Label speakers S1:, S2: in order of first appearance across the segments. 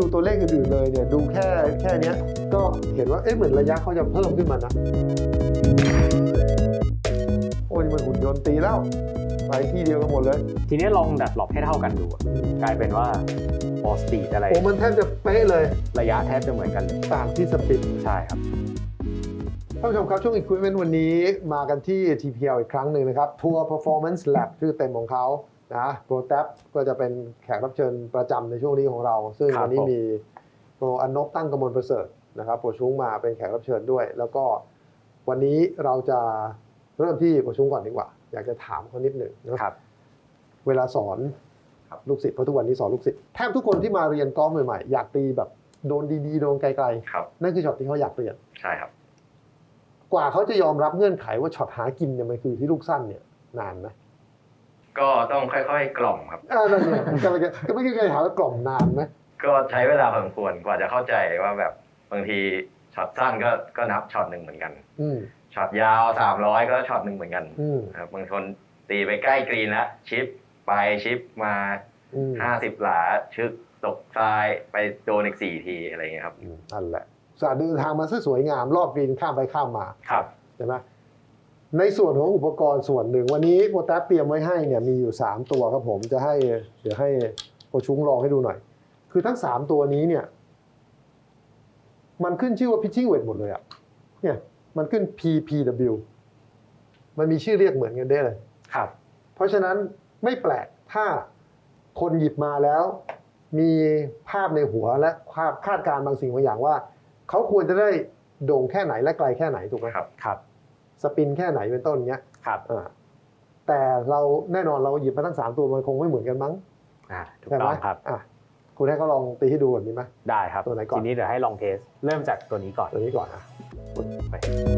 S1: ตัวเลขอื่นๆเลยเนี่ยดูแค่นี้ก็เห็นว่าเหมือนระยะเขาจะเพิ่มขึ้นมานะโอ้ยมันหุ่นยนต์ตีแล้วไปที่เดียวกันหมดเลย
S2: ทีนี้ลองดัดหลบให้เท่ากันดูกลายเป็นว่าพอสปีดอะไร
S1: โอ้มันแทบจะเป๊ะเลย
S2: ระยะแทบจะเหมือนกันเลย
S1: ต่างที่สปีด
S2: ใช่ครับ
S1: ท่านผู้ชมครับช่วง Equipment วันนี้มากันที่ TPL อีกครั้งหนึ่งนะครับ Tour Performance Lab ชื่อเต็มของเขานะโปรแท็บก็จะเป็นแขกรับเชิญประจำในช่วงนี้ของเราซึ่งวันนี้มีโปรอนบตั้งกมลประเสริฐนะครับโปรชุ้งมาเป็นแขกรับเชิญด้วยแล้วก็วันนี้เราจะเริ่มที่โปรชุ้งก่อนดีกว่าอยากจะถามเขานิดหนึ่งนะครับเวลาสอนลูกศิษย์เพราะทุกวันนี้สอนลูกศิษย์แทบทุกคนที่มาเรียนกอล์ฟใหม่ๆอยากตีแบบโดนดีๆโดนไกลๆนั่นคือช็อตที่เขาอยากเรียน
S3: ใช่ครับ
S1: กว่าเขาจะยอมรับเงื่อนไขว่าช็อตหากินเนี่ยมันคือที่ลูกสั้นเนี่ยนานไหม
S3: ก็ต้องค่อยๆกล่อมครับ
S1: นั่นเนี่ยก็ไม่ใช่การถามว่ากล่อมนานไหม
S3: ก็ใช้เวลาพอสมควรกว่าจะเข้าใจว่าแบบบางทีช็อตสั้นก็นับช็อตหนึ่งเหมือนกันช็อตยาว300ก็ช็อตหนึ่งเหมือนกันครับบางคนตีไปใกล้กรีนแล้วชิปไปชิปมา50หลาชึกตกทรายไปโดนอีก4ทีอะไรเงี้ยครับ
S1: นั่นแหละสาเดินทางมาซะสวยงามรอบกรีนข้ามไปข้ามมา
S3: ครับ
S1: ใช่ไหมในส่วนของอุปกรณ์ส่วนหนึ่งวันนี้โปรแท็บเตรียมไว้ให้เนี่ยมีอยู่3ตัวครับผมจะให้เดี๋ยวให้โปรชุ้งลองให้ดูหน่อยคือทั้ง3ตัวนี้เนี่ยมันขึ้นชื่อว่า pitching weight หมดเลยอ่ะเนี่ยมันขึ้น PPW มันมีชื่อเรียกเหมือนกันได้เลย
S2: ครับ
S1: เพราะฉะนั้นไม่แปลกถ้าคนหยิบมาแล้วมีภาพในหัวและคาดการณ์บางสิ่งบางอย่างว่าเขาควรจะได้โด่งแค่ไหนและไกลแค่ไหนถูกไหม
S2: ครับ
S1: สปินแค่ไหนเป็นต้นเงี้ย
S2: ครับ
S1: แต่เราแน่นอนเราหยิบมาทั้ง3ตัวมันคงไม่เหมือนกันมั้ง
S2: ถูกต้องครับ
S1: คุณให้เขาลองตีให้ดูแบบนี้ไหม
S2: ได้ครับ
S1: ตัวไหนก่อน
S2: ทีนี้เดี๋ยวให้ลองเทสเริ่มจากตัวนี้ก่อน
S1: นะ
S2: ไป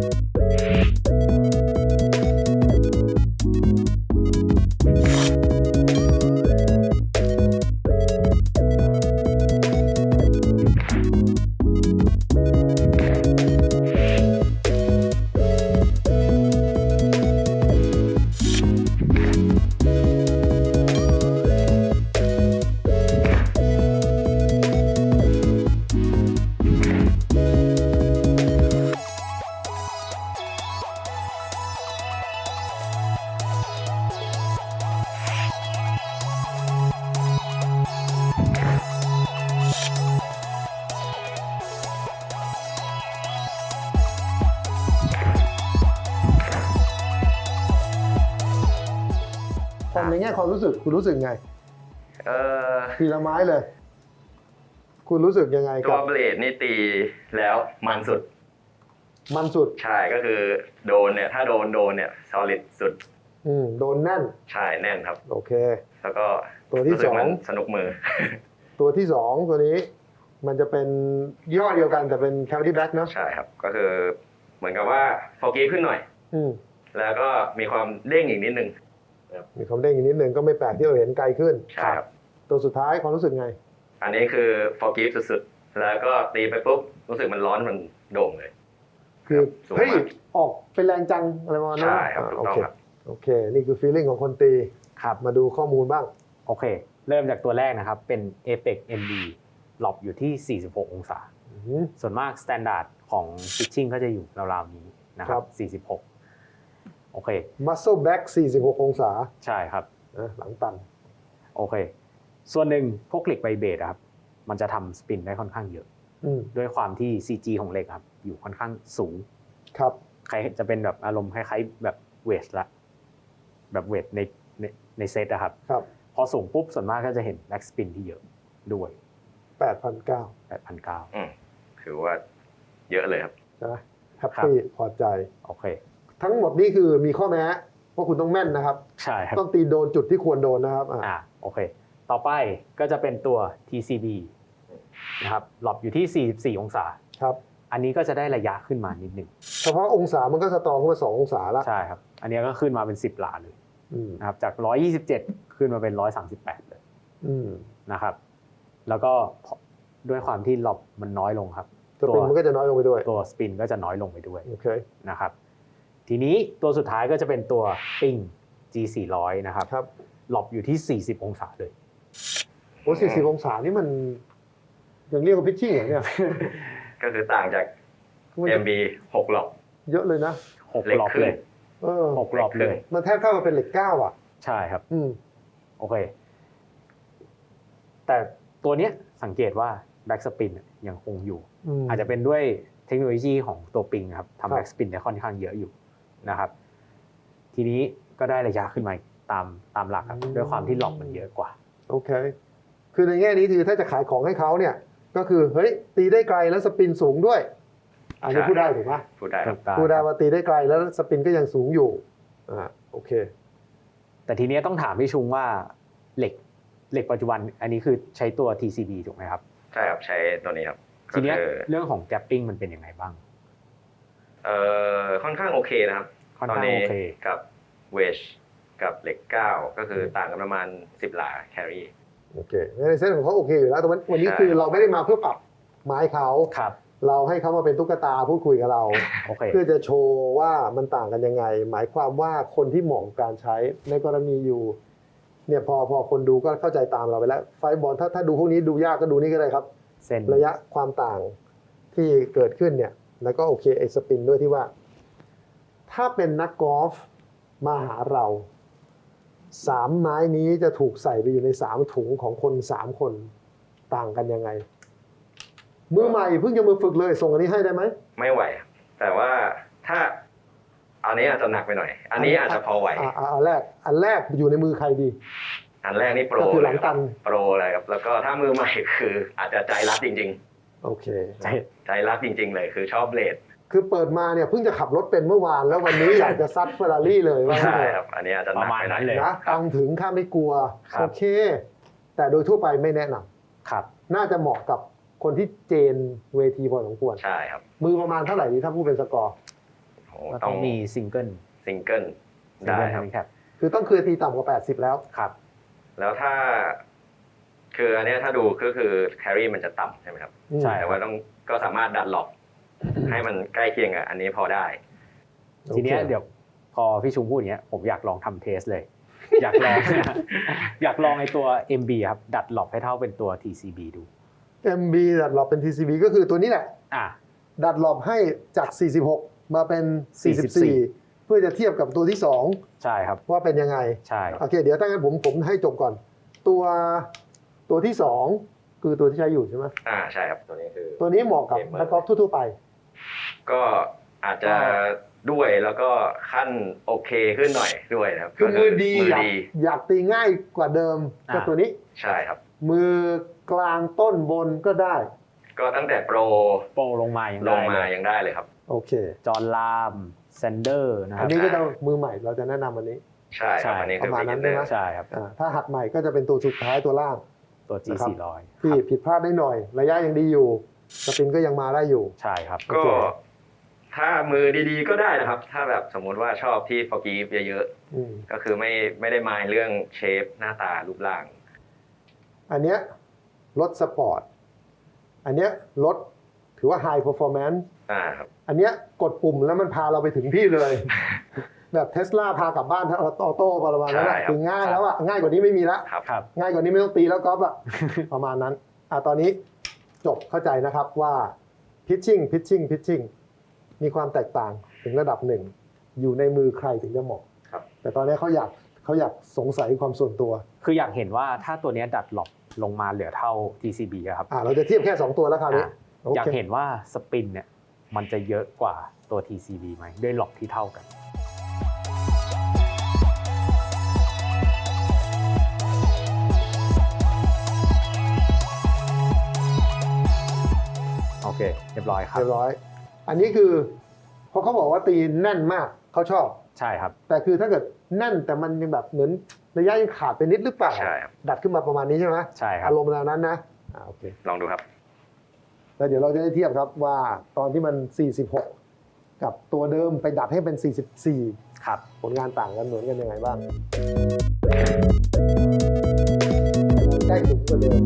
S1: ในแง่ความรู้สึกคุณรู้สึกไงทีละไม้เลยคุณรู้สึกยังไง
S3: ตัวเบลดนี่ตีแล้วมันสุดใช่ก็คือโดนเนี่ยถ้าโดนเนี่ย solid สุด
S1: โดนแน่น
S3: ใช่แน่นครับ
S1: โอเค
S3: แล้วก็
S1: ตัวที่2
S3: สนุกมือ
S1: ตัวที่2ตัวนี้มันจะเป็นยี่ห้อเดียวกันแต่เป็น Cavity Black เนาะ
S3: ใช่ครับก็คือเหมือนกับว่าโฟกัสขึ้นหน่อยแล้วก็มีความเด้งอีกนิดนึง
S1: มีความเด้งอีกนิดนึงก็ไม่แปลกที่เราเห็นไกลขึ้น
S3: ใช่ครับ
S1: ตัวสุดท้ายความรู้สึกไง
S3: อันนี้คือโฟกัสสุดๆแล้วก็ตีไปปุ๊บรู้สึกมันร้อนมันโด่งเลย
S1: คือเฮ้ยออกเป็นแรงจังอะไรประมาณนั้น
S3: ใช่ครับถูกต้องครับ
S1: โอเคนี่คือ feeling ของคนตี
S2: ครับ
S1: มาดูข้อมูลบ้าง
S2: โอเคเริ่มจากตัวแรกนะครับเป็น Apex MD หลบอยู่ที่46องศาส่วนมาก standard ของ pitching ก็จะอยู่ราวๆนี้นะครับ46โอเค
S1: muscle back 46องศา
S2: ใช่ครับ
S1: หลังตัน
S2: โอเคส่วนหนึ่งพวกเหล็กไวเบรครับมันจะทำสปินได้ค่อนข้างเยอะด้วยความที่ CG ของเหล็กครับอยู่ค่อนข้างสูง
S1: ครับ
S2: ใครจะเป็นแบบอารมณ์คล้ายๆแบบเวทละแบบเวทในเซตนะครับพอสูงปุ๊บส่วนมากก็จะเห็นแบ็กสปินที่เยอะด้วย
S1: 8,900
S3: ถือว่าเยอะเลยครับ
S1: ใช่ไหมแฮปปี้พอใจ
S2: โอเค
S1: ทั้งหมดนี้คือมีข้อแม้ว่าคุณต้องแม่นนะครับ
S2: ใช่ครับ
S1: ต้องตีโดนจุดที่ควรโดนนะครับ
S2: โอเคต่อไปก็จะเป็นตัว TCB นะครับหลบอยู่ที่44องศา
S1: ครับ
S2: อันนี้ก็จะได้ระยะขึ้นมานิดนึง
S1: เฉพาะองศามันก็สตรองขึ้นมา2องศาแล้ว
S2: ใช่ครับอันนี้ก็ขึ้นมาเป็น10หลาเลยนะครับจาก127ขึ้นมาเป็น138เลยนะครับแล้วก็ด้วยความที่หลบมันน้อยลงครับ
S1: สปินมันก็จะน้อยลงไปด้วย
S2: ตัวสปินก็จะน้อยลงไปด้วย
S1: โอเค
S2: นะครับทีนี้ตัวสุดท้ายก็จะเป็นตัวปิง G400 นะครับหลบอยู่ที่40องศาเลย
S1: โอ้40องศานี่มันยังเรียกว่าพิชชิ่งเหรอเนี่ย
S3: ก็คือต่างจาก MB 6 หลอก
S1: เยอะเลยนะ
S2: 6
S3: เหล็ก
S2: รอบ
S3: ครึ่
S2: เล
S3: ง
S2: ย
S1: เออ
S2: 6 รอบเลย
S1: มันแทบเท่ากับเป็นเหล็ก9อ่ะ
S2: ใช่ครับ
S1: อืม
S2: โอเค แต่ตัวเนี้ยสังเกตว่าแบ็กสปินยังคงอยู่ อาจจะเป็นด้วยเทคโนโลยีของตัวปิงครับ
S1: ครับ
S2: ทำแบ็กสปินได้ค่อนข้างเยอะอยู่นะครับ ทีนี้ก็ได้ระยะขึ้นมาตามหลักครับด้วยความที่หลอกมันเยอะกว่า
S1: โอเค คือในแง่นี้คือถ้าจะขายของให้เขาเนี่ยก็คือเฮ้ยตีได้ไกลแล้วสปินสูงด้วย อันนี้
S3: ใช่
S1: พูดได้ถูกไหม
S3: พูดได้ครับ
S1: พูดได้ว่าตีได้ไกลแล้วสปินก็ยังสูงอยู่โอเค
S2: แต่ทีเนี้ยต้องถามพี่ชุงว่าเหล็กปัจจุบันอันนี้คือใช้ตัว TCB ถูกไหมครับ
S3: ใช่ครับใช้ตัวนี้ครับ
S2: ทีเนี้ย
S3: ก็คือ
S2: เรื่องของ gapping มันเป็นยังไงบ้าง
S3: ค่อนข้างโอเคนะครับ
S2: ค่อน
S3: ตอน
S2: ข้าง
S3: นี้
S2: โอเค
S3: กับเวชกับเหล็ก9ก็คือต่างกันประมาณ10 หลาแครี
S1: โอเคในเส้นของเขาโอเคอยู่แล้วแต่วันนี้
S3: ใช่
S1: คือเราไม่ได้มาเพื่อปรับไม้เขา
S2: ครับ
S1: เราให้เขามาเป็นตุ๊กตาพูดคุยกับเรา
S2: โอเค
S1: เพื่อจะโชว์ว่ามันต่างกันยังไง หมายความว่าคนที่เหมาะกับการใช้ในกรณีอยู่เนี่ยพอคนดูก็เข้าใจตามเราไปแล้ว ไฟบอลถ้าดูพวกนี้ดูยากก็ดูนี่ก็ได้ครับ
S2: เส้น
S1: ระยะความต่างที่เกิดขึ้นเนี่ยแล้วก็โอเคไอ้สปินด้วยที่ว่า ถ้าเป็นนักกอล์ฟมาหาเรา3 ไม้นี้จะถูกใส่ไปอยู่ใน3 ถุงของคน3 คนต่างกันยังไง มือใหม่เพิ่งจะมือฝึกเลยส่งอันนี้ให้ได้ไหม
S3: ไม่ไหวครับแต่ว่าถ้าอันนี้อาจจะหนักไปหน่อย อันนี้อาจจะพอไหว
S1: อันแรกอยู่ในมือใครดี
S3: อันแรกนี่โปร
S1: ก็คือหลัง
S3: เลยค
S1: ตั
S3: รับ
S1: น
S3: โปรเลยครับแล้วก็ถ้ามือใหม่คืออาจจะใจรักจริง
S1: โอเค
S2: ใช่
S3: ๆ ใจรักจริง ๆ เลยคือชอบเบลด
S1: คือเปิดมาเนี่ยเพิ่งจะขับรถเป็นเมื่อวานแล้ววันนี้อยากจะซัดเฟอร์รารี่เลยว่า
S3: ใช่ครับ อันนี้อาจจะหนักไปหน่อย
S2: ประมาณนั้นเลย
S1: นะตังค์ถึงข้าไม่กลัว
S2: ครับ
S1: โอเค แต่โดยทั่วไปไม่แนะนำ
S2: ครับ
S1: น่าจะเหมาะกับคนที่เจนเวทีพอสมควร
S3: ใช่ครับ
S1: มือประมาณเท่าไหร่ดีถ้าพูดเป็นสกอร์
S3: โอ้
S2: ก็
S3: ต้
S2: ต้
S3: อ
S2: อง งมีซิงเกิล
S3: ซิงเกิลได้ครับ
S2: ครับ
S1: คือต้องเคยตีต่ำกว่า80แล้ว
S2: ครับ
S3: แล้วถ้า คืออันเนี้ยถ้าดูก็คือแครีมันจะต่ำใช่ไหมครับ
S2: ใช่
S3: แต่ว่าก็สามารถดันหลอกให้มันใกล้เคียงกับอันนี้พอได้
S2: ทีเนี้ยเดี๋ยวพอพี่ชุงพูดอย่างเงี้ยผมอยากลองทำเทสเลย อยากลอง อยากลองไอ้ตัว MB ครับดัดหลบให้เท่าเป็นตัว TCB ดู
S1: MB ดัดหลบเป็น TCB ก็คือตัวนี้แหละ
S2: อ่ะ
S1: ดัดหลบให้จาก 46 มาเป็น 44 เพื่อจะเทียบกับตัวที่
S2: ใช่ครับ
S1: 2 ว่าเป็นยังไง
S2: ใช่
S1: โอเค เดี๋ยวถ้างั้นผมให้จบก่อน ตัวที่ 2 คือตัวที่ใช้อยู่ใช่ไหม
S3: ใช่ครับตัวนี้คือ
S1: ตัวนี้เหมาะกับ
S3: Gamer
S1: นักกอล์ฟทั่วๆไป
S3: ก็อาจจะด้วยแล้วก็ขั้นโอเคขึ้นหน่อยด้วยนะครับ
S1: คือมือดี
S3: มือดี
S1: อยากตีง่ายกว่าเดิมก็ตัวนี้
S3: ใช่ครับ
S1: มือกลางต้นบนก็ได้
S3: ก็ตั้งแต่โปร
S2: โปรลงมายัง
S3: ล
S2: ได้
S3: งมา
S2: เลย
S3: ยังได้เลยครับ
S1: โอเค
S2: จอห์นลามแซนเดอร์นะค
S1: อั
S2: รั
S1: น
S2: บ
S1: นี้ก็จะมือใหม่เราจะแนะนำอันนี้
S3: ใช่ครับ
S2: ใช่
S3: อันนี้คือ
S1: ประมาณนั้นใช่ไหม
S3: beginner
S2: ใช่ครับ
S1: ถ้าหัดใหม่ก็จะเป็นตัวสุดท้ายตัวล่าง
S2: ตัว G
S1: นะครับ
S2: 400
S1: ที่ผิดพลาดได้หน่อย ระยะยังดีอยู่สปินก็ยังมาได้อยู่
S2: ใช่ครับ
S3: ก็ถ้ามือดีๆก็ได้นะครับ ถ้าแบบสมมุติว่าชอบที่ forgive เยอะ
S1: อืม
S3: ๆ ก็คือไม่ได้มายเรื่องเชฟหน้าตารูปร่าง
S1: อันเนี้ยรถสปอร์ต อันเนี้ยรถถือว่า High Performance
S3: ครับ
S1: อันเนี้ยกดปุ่มแล้วมันพาเราไปถึงที่เลย แบบเทสลาพากลับบ้านออโต้ประมาณนั้นแหละ
S3: ใช่ครับ
S1: คือง่ายแล้วอ่ะง่ายกว่านี้ไม่มีละ
S3: ครับ
S2: ครับ
S1: ง่ายกว่านี้ไม่ต้องตีแล้วก๊อฟอ่ะ ประมาณนั้นตอนนี้จบเข้าใจนะครับว่า pitching มีความแตกต่างถึงระดับหนึ่ง อยู่ในมือใครถึงจะเหมาะ
S3: ครับ
S1: แต่ตอนนี้เขาอยากสงสัยความส่วนตัว
S2: คืออยากเห็นว่าถ้าตัวเนี้ยดัดหลบลงมาเหลือเท่า TCB อะครับ
S1: เราจะเทียบแค่ 2 ตัวแล้วคราวนี้
S2: อ่ะ
S1: โอ
S2: อยาก
S1: เค
S2: เห็นว่าสปินเนี่ยมันจะเยอะกว่าตัว TCB ไหมด้วยหลบที่เท่ากัน โอเค เรียบร้อยครับ
S1: เรียบร้อย อันนี้คือพอเขาบอกว่าตีแน่นมากเขาชอบ
S2: ใช่ครับ
S1: แต่คือถ้าเกิดแน่นแต่มันยังแบบเหมือนระยะยังขาดไปนิดหรือเปล่า
S3: ใช่ครับ
S1: ดัดขึ้นมาประมาณนี้ใช่ไหม
S2: ใช่ครับ
S1: อารมณ์แนวนั้นนะโอเค
S3: ลองดูครับ
S1: แล้วเดี๋ยวเราจะได้เทียบครับว่าตอนที่มัน 46 กับตัวเดิมไปดัดให้เป็น 44
S2: ครับ
S1: ผลงานต่างกันเหมือนกันยังไงบ้างใกล้ถึงกว่าเดิม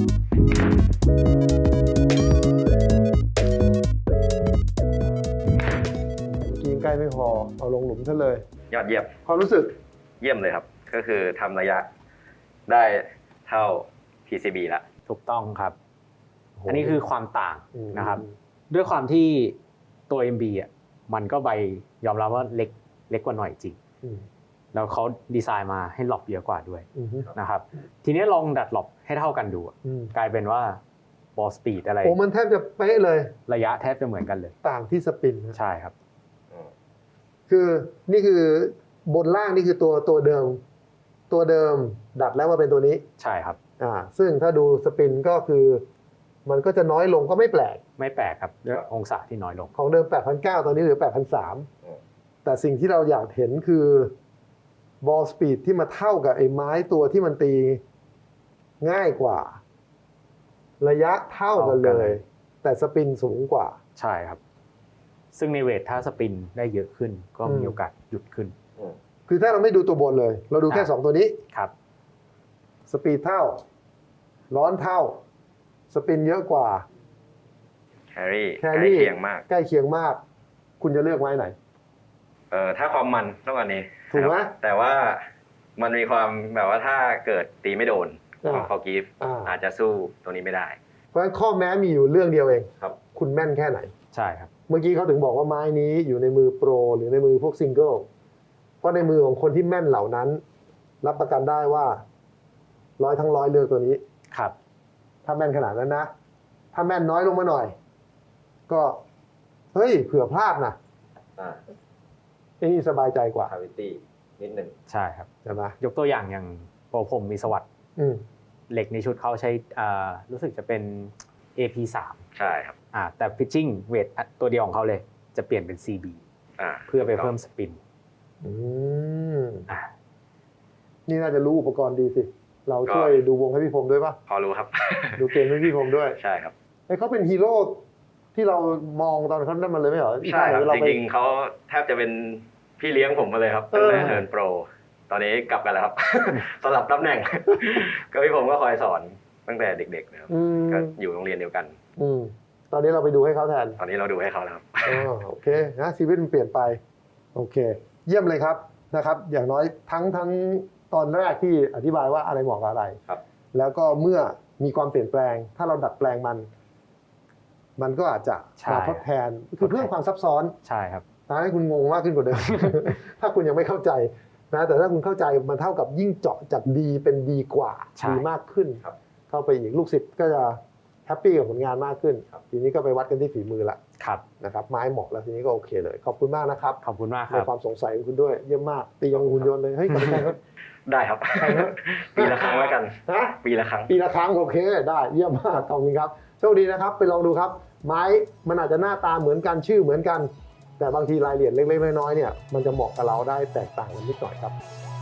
S1: กินใกล้ไม่พอเอาลงหลุมซะเลย
S3: ยอดเยี่ยม
S1: ความรู้สึก
S3: เยี่ยมเลยครับ ก็คือทำระยะได้เท่า PCB ละ
S2: ถูกต้องครับ
S1: โห
S2: อันนี้คือความต่าง
S1: อืม
S2: นะครับ ด้วยความที่ตัว MB อ่ะมันก็ใบยอมรับว่าเล็กกว่าหน่อยจริง
S1: อืม
S2: แล้วเขาดีไซน์มาให้หลบเยอะกว่าด้วย
S1: อืม
S2: นะครับทีนี้ลองดัดหลบให้เท่ากันดูอะ
S1: อืม
S2: กลายเป็นว่าบอลสปีดอะไร
S1: โอ้มันแทบจะเป๊ะเลย
S2: ระยะแทบจะเหมือนกันเลย
S1: ต่างที่สปินนะ
S2: ใช่ครับ
S1: คือนี่คือบนล่างนี่คือตัวเดิม ตัวเดิมดัดแล้วมาเป็นตัวนี้
S2: ใช่ครับ
S1: ซึ่งถ้าดูสปินก็คือมันก็จะน้อยลงก็ไม่แปลก
S2: ไม่แปลกครับด้วยองศาที่น้อยลง
S1: ของเดิม 8,900 ตอนนี้เหลือ 8,300 แต่สิ่งที่เราอยากเห็นคือบอลสปีดที่มาเท่ากับไอ้ไม้ตัวที่มันตีง่ายกว่า ระยะเท่ากันเลย แต่สปินสูงกว่า
S2: ใช่ครับ ซึ่งในเวทถ้าสปินได้เยอะขึ้นก็มีโอกาสหยุดขึ้น
S1: คือถ้าเราไม่ดูตัวบนเลย เราดูแค่ 2 ตัวนี้
S2: ครับ
S1: สปีดเท่า ร้อนเท่า สปินเยอะกว่า
S3: แครี่
S1: แค
S3: ใกล้
S1: รี่
S3: เคียงมาก
S1: ใกล้เคียงมาก คุณจะเลือกไม้ไหน
S3: ถ้าความมันต้องอันนี้
S1: ถูกไหม
S3: ครับแต่ว่ามันมีความแบบว่าถ้าเกิดตีไม่โดนของฟอร์กิฟ อาจจะสู้ตัวนี้ไม่ได้
S1: เพราะฉะนั้นข้อแม้มีอยู่เรื่องเดียวเอง
S3: ครับ
S1: คุณแม่นแค่ไหน
S2: ใช่ครับ
S1: เมื่อกี้เขาถึงบอกว่าไม้นี้อยู่ในมือโปรหรือในมือพวกซิงเกิล เพราะในมือของคนที่แม่นเหล่านั้น รับประกันได้ว่า100 ทั้ง 100เลือกตัวนี้
S2: ครับ
S1: ถ้าแม่นขนาดนั้นนะ ถ้าแม่นน้อยลงมาหน่อย ก็เฮ้ยเผื่อพลาดนะไอ้นี่สบายใจกว่า
S3: คาวิตี้นิดหนึ่ง
S2: ใช่ครับ
S1: ใช่ไหม
S2: ยกตัวอย่างโปรผมมีสวัสด์
S1: อืม
S2: เหล็กในชุดเขาใช้รู้สึกจะเป็น AP3
S3: ใช่ครับ
S2: แต่ pitching weight ตัวเดียวของเขาเลย จะเปลี่ยนเป็น CB เพื่อไปเพิ่มสปิน
S1: อืม
S2: อ่า
S1: นี่น่าจะรู้อุปกรณ์ดีสิ เราช่วยดูวงให้พี่พรมด้วยปะ
S3: พอรู้ครับ
S1: ดูเกมให้พี่พรมด้วย
S3: ใช่ครับ
S1: ไอ้เขาเป็นฮีโร่ที่เรามองตอนเขานั่นมันเลยไม่เหรอ
S3: ใช่ครับ
S1: เรา
S3: จ
S1: ไป
S3: ริงๆเขาแทบจะเป็นพี่เลี้ยงผมมาเลยครับตั้งแต่เทิร์นโปรตอนนี้กลับกันแล้วครับ สลับตำแหน่ง ก็พี่ผมก็คอยสอนตั้งแต่เด็กๆนะครับ
S1: อืม
S3: ก็อยู่โรงเรียนเดียวกัน
S1: อืมตอนนี้เราไปดูให้เขาแทน
S3: ตอนนี้เราดูให้เขาแล้วครับ
S1: โอเคนะชีวิตมันเปลี่ยนไปโอเค เยี่ยมเลยครับนะครับ อย่างน้อยทั้งตอนแรกที่อธิบายว่าอะไรเหมาะกับอะไร
S3: ครับ
S1: แล้วก็เมื่อมีความเปลี่ยนแปลง ถ้าเราดัดแปลงมันก็อาจจะ
S2: ใช่
S1: มาทดแทนคือเพิ่มความซับซ้อน
S2: ใช่ครับ
S1: ทำให้คุณงงมากขึ้นกว่าเดิม ถ้าคุณยังไม่เข้าใจนะแต่ถ้าคุณเข้าใจมันเท่ากับยิ่งเจาะจากดีเป็นดีกว่า
S2: ใช่
S1: ดีมากขึ้น
S3: ครับ
S1: เข้าไปอีกลูกศิษย์ก็จะแฮปปี้กับผลงานมากขึ้น ทีนี้ก็ไปวัดกันที่ฝีมือละ
S2: ครับ
S1: นะครับไม้เหมาะแล้วทีนี้ก็โอเคเลย ขอบคุณมากนะครับ
S2: ขอบคุณมากค
S1: ใน
S2: รับ
S1: ความสงสัยของคุณด้วยเยี่ยมมากตียังหุ่นยนต์เลยเฮ้ยกลับไปแข่งครับ
S3: ได้ครับ
S1: ใช่ครับ
S3: ปีละครั้งแล้วกัน
S1: ฮะ
S3: ปีละครั้ง
S1: ปีละครั้งโอเคได้เยี่ยมมากขอบคุณครับโชคดีนะครับไปลองดูครับ ไม้มันอาจจะหน้าตาเหมือนกันชื่อเหมือนกัน แต่บางทีรายละเอียดเล็กๆน้อยๆเนี่ยมันจะเหมาะกับเราได้แตกต่างกันนิดหน่อยครับ